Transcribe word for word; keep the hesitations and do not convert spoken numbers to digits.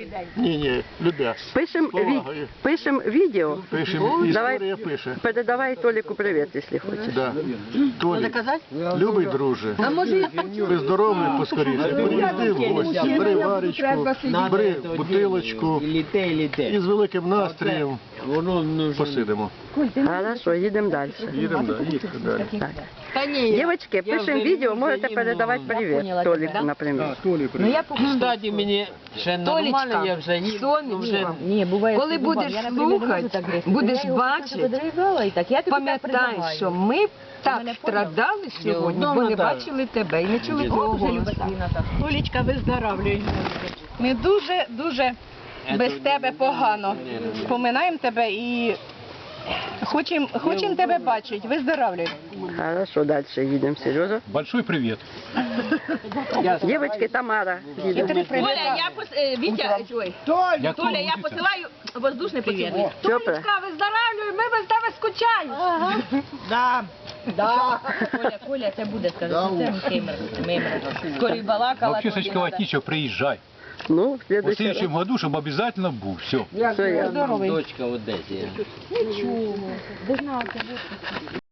Ні, ні, любя. Пишем, ві... Повагою. Пишем відео. Пишемо, Давай, історія пише. передавай Толіку привіт, якщо хочеш. Да. Толік, любий друже, виздоровлюй поскоріше, приїзди в гості, бери варічку, бери бутилочку і з великим настроєм посидимо. Хорошо, їдемо далі. Їдемо далі, їдемо далі. Дівчатки, пишемо відео, можете передавати привіт Толіку, наприклад. Кстати, мені ще нормально, я вже їду. Вже... Ні, буває, Коли що буває. будеш Я, наприклад, слухати, не можу так гризти. будеш Я його бачити, просто подрізала і так. Я тобі так Пам'ятай, передаваю. що ми так страдали сьогодні, бо не бачили тебе і не чули твого голосу. Олічка, виздоравлюй. Ми дуже-дуже без тебе погано. Поминаємо тебе і хочемо хочем тебе бачити. Виздоравлюй. Хорошо, далі їдемо, Сережа. Большой привет. Дівчатки, Тамара, їдемо. Толя, я пос... е, Вітя, ой, Я Толя, я посилаю воздушний поцілуй. Чопе. Виздоравлюй, ми без тебе скучаємо. Коля, Коля, це буде, скажи, що це мимер. Мимер. Скорі балакала. Вообще, Сачка Ватничев, приезжай. Ну, в В следующий раз. следующем году, чтобы обязательно был. Все. Все, я. Дочка в Одесі.